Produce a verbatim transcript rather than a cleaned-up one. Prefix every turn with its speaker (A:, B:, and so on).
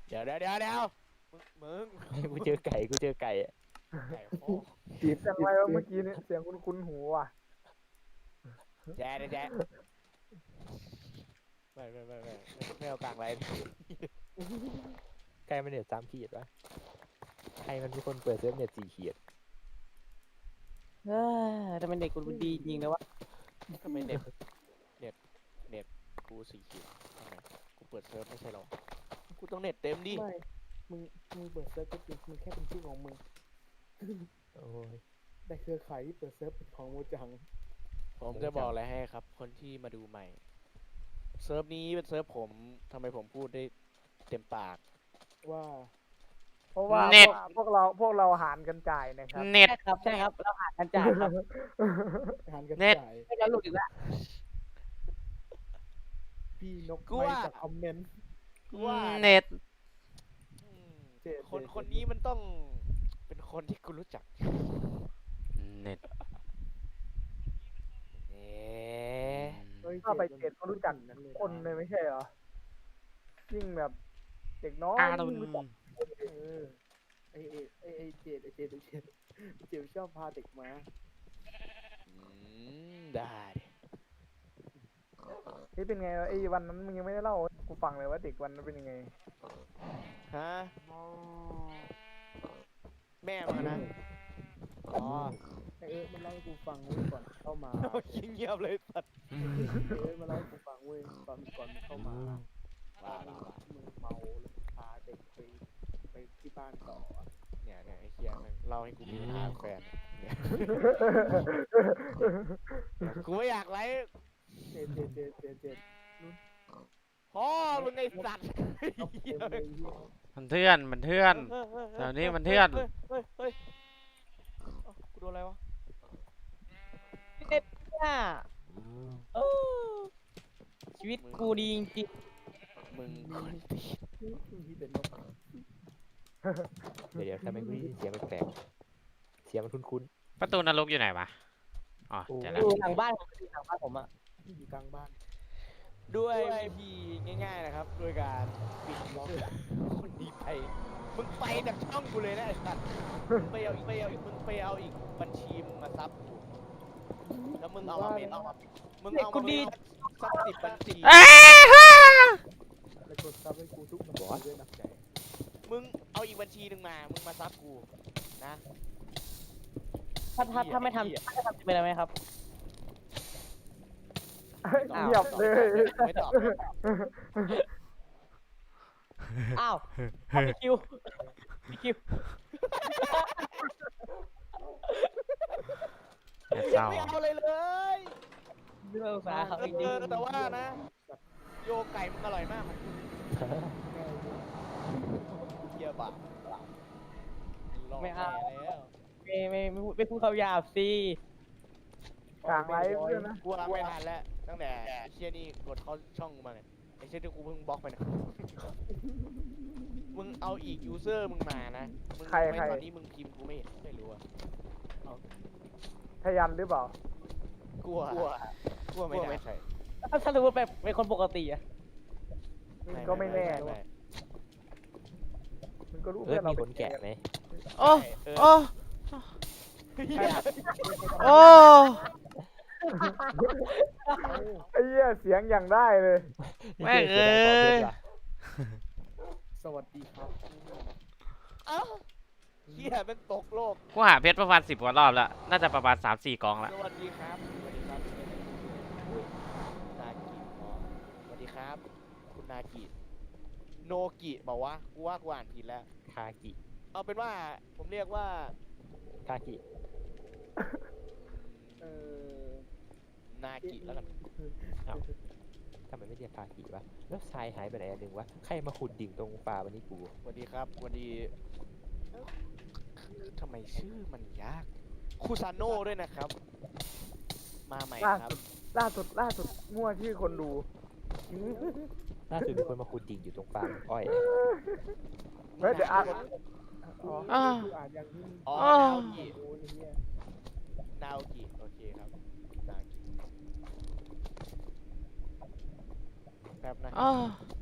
A: เดี๋ยวเดี๋ยวเดี๋ยวเดี๋ยวมึงมึง
B: กูเจอไก่กูเจอไก่อะ
A: ไก่พ่อ
C: เสียงอะไรวะเมื่อกี้เนี่ยเสียงคุ้นๆหูว่ะ
A: แจ๊ดแจ๊ดไม่ไม่ไม่ไม่ไม่เอากลางไร
B: ไก่มันเน็ตสามขีดวะใครมันเป็นคนเปิดเซิร์ฟเน็ตสี่ขีด
D: เออแต่เป็นเด็กกูดีจริงนะวะ
A: ทำไมเน็ตเน็ตเน็ตกูสี่ขีดทำไมกูเปิดเซิร์ฟไม่ใช่หรอกูต้องเน็ตเต็มดิ
C: ไม่มึงมึงเปิดเซิร์ฟก็จริงมึงแค่เป็นชื่อของมึง
B: โอ้ย
C: แต่เครือข่ายที่เปิดเซิร์ฟเป็นของโมจัง
A: ผมจะบอกอะไรให้ครับ คนที่มาดูใหม่เซิร์ฟนี้เป็นเซิร์ฟผมทำไมผมพูดได้เต็มปาก
C: ว่า เพราะว่าพวกเราพวกเราหารกันจ่ายนะครับ
E: เน็ต
D: ใช่ครับใช่ครับเราหากันจ่ายครับ
C: หารกัน
E: เน็ต
C: จ่าย
D: ไม่แล้วหลุดอีกแล้ว
C: พี่นก
A: กู
C: ไม่
A: ว่า
C: จากคอมเมนต์
A: กูว่านะ
E: เน็ต
A: อืม
C: เจ็ด
A: คน
C: เจ็ด
A: คนนี้มันต้องเป็นคนที่กูรู้จัก
E: เน็ต
A: เอ๊ะ
C: เฮ้ยถ้าไปเจ็ดเขารู้จักคนเลยไม่ใช่เหรอยิ่งแบบเด็กน้อย
E: อา
C: ยิ่
E: รุ
C: ง
E: ณ
C: รู้จักเออไอไอไอไอเจ็ดไอเจ็ดไอเจ็ดเจ็ดชอบพาเด็กมา
A: อืมได้ดิ
C: นี่เป็นไงวะไอ้วันนั้นมึงยังไม่ได้เล่าให้กูฟังเลยว่าเด็กวันนั้นเป็นยังไง
A: ฮะแม่มานะอ๋อ
C: ไอเอิร์ธมันเล่าให้กูฟังเว้ยก่อนเข้ามา
A: เงียบๆเลยสัตว์
C: ไอเอิร์ธมาเล่าให้กูฟังเว้ยตอนก่อนมึงเข้ามา
A: ว้า
C: ว่า
A: ว้าว้า
C: มึงเมาแล้วพาเด็กไปไปที่บ้านต่ออะ
A: เนี่ยเนี่ยไอ้เคียแม่งเล่าให้กูมีปัญหากับแฟนเนี่ยกูไม่อยากไลฟ์
C: เจ็ดเจ็ดเจ็ดเจ็ดเจ็ด
A: พ่อมึงไอ้สัตว์
C: เอาเต็มเลยเหี้ย
E: มันเทื่อนมันเทื่อน แถวนี้มันเทื่อน
A: เฮ้ยเฮ้ยเฮ้ยเอ้ากูโดนอะไรวะ
D: เนี่ยเออชีวิตกูดีจริง
A: มึง
C: มีแต่นก
B: เดี๋ยวเดี๋ยวทำไมกูได้ยินเสียงแปลกๆเสียงมันคุ้น
E: ประตูนรกอยู่ไหนวะ อ๋อ
B: โอ้
E: เจอ
D: ๆ
E: แล้
D: อ
E: ว
D: ยู่หลังบ้านผมอยู่หลังบ้านผมอะ
C: ที่อยู่กลางบ้าน
A: ด้วยวิธีง่ายๆนะครับด้วยการปิดล็อกคนดีไปมึงไปจากช่องกูเลยนะไอ้สัตว์มึงไปเอาไปเอามึงไปเอาอีกบัญชีมึงมาซับกูแล้วมึงเอามาเป็นเอามามึงเอามาเป็นซับสิบบัญชี
E: เอ้ยฮ่า
C: แล้วกดซับให้กูทุกบัญชีด้วยนะ
A: มึงเอาอีกบัญชีหนึ่งมา มึงมาซับกูนะ
D: ถ้าถ้าถ้าไม่ทำถ้าไม่ทำจะเป็นอะไรไหมครับ
C: เงียบเลย
A: ไม่ตอบ
D: อ้าวเอาพี่คิวพี่คิว
E: เน็ตเศร้า
A: ไม่เอาเลยเลย
D: เรื่องสาเขา
A: เอ
D: จริง
A: อแต่ว่านะ โยไก่มึงอร่อยมากมันเกียบะรอแม่แล้ว
D: ไม่ไม่ไม่พูดไม่พูดคำหยาบสิ
C: กลางไลฟ์ด้วยนะ
A: กูรับไม่ทันแล้วตั้งแต่ไอ้เชี่ยนี่กดเข้าช่องกูมาเนี่ยไอ้เชี่ยที่กูเพิ่งบล็อกไปเนี่ยมึงเอาอีกยูเซอร์มึงมานะมึง
C: ใคร
A: ไม่
C: ใคร
A: ตอนนี้มึงพิมพ์กูไม่เห็นไม่รู้อะ
C: ทยันหรือเปล่าก
A: ลัวกลัวกลัวไม่ได้ใช่
D: ถ้าถ้าสมมติแบบเป็นคนปกติอะ
C: มึงก็ไม่แน่มึงก็รู้
B: ๆเออ
C: เพื่อนเรา
B: มี
C: เป็
B: ขนแกะไหม
E: โอ้
A: เออ
E: โอ้
A: เหี้ย
E: โอ้
C: ไอ้เหี้ยเสียงอย่างได้เลย
E: แม่งเอ้ย
C: สวัสดีครับ
A: เอ้าเหี้ยเป็นตกโลก
E: กูหาเพชรประมาณสิบกว่ารอบแล้ว น่าจะประมาณสามสี่กองละ
A: สวัสดีครับ สวัสดีครับนากิอ๋อสวัสดีครับ คุณนากิ โนกิบอกว่ากูว่ากูอ่านผิดแล้ว
B: คากิ
A: เอาเป็นว่าผมเรียกว่า
B: คากิ
C: เออ
A: นากิแล้วกัน
B: ทำไมไม่เรียกคากิวะแล้วทรายหายไปไหนอันหนึ่งวะใครมาขุดดิ่งตรงป่าวันนี้กู
A: สวัสดีครับสวัสดีเอ้าทำไมชื่อมันยาก คูซาโน่ด้วยนะครับ มาใหม่
C: ล่า
A: ครับ
C: สุดล่าสุดล่าสุดมั่วชื่อคนดู
B: ล่าสุดมีคนมาขุดดิ่งอยู่ตรงป่าอ้อย
C: เฮ้ยเดี๋ยวอ่าน
A: คน
C: อ๋อ
E: อ่า
C: คืออ่านอย่างนี้
A: อ๋อ
E: อ๋อ
A: นาโอกิ
C: โอ้ยเนี่ย
A: นาโอกิโอเคครับนากิแป๊บนะ
E: โอ้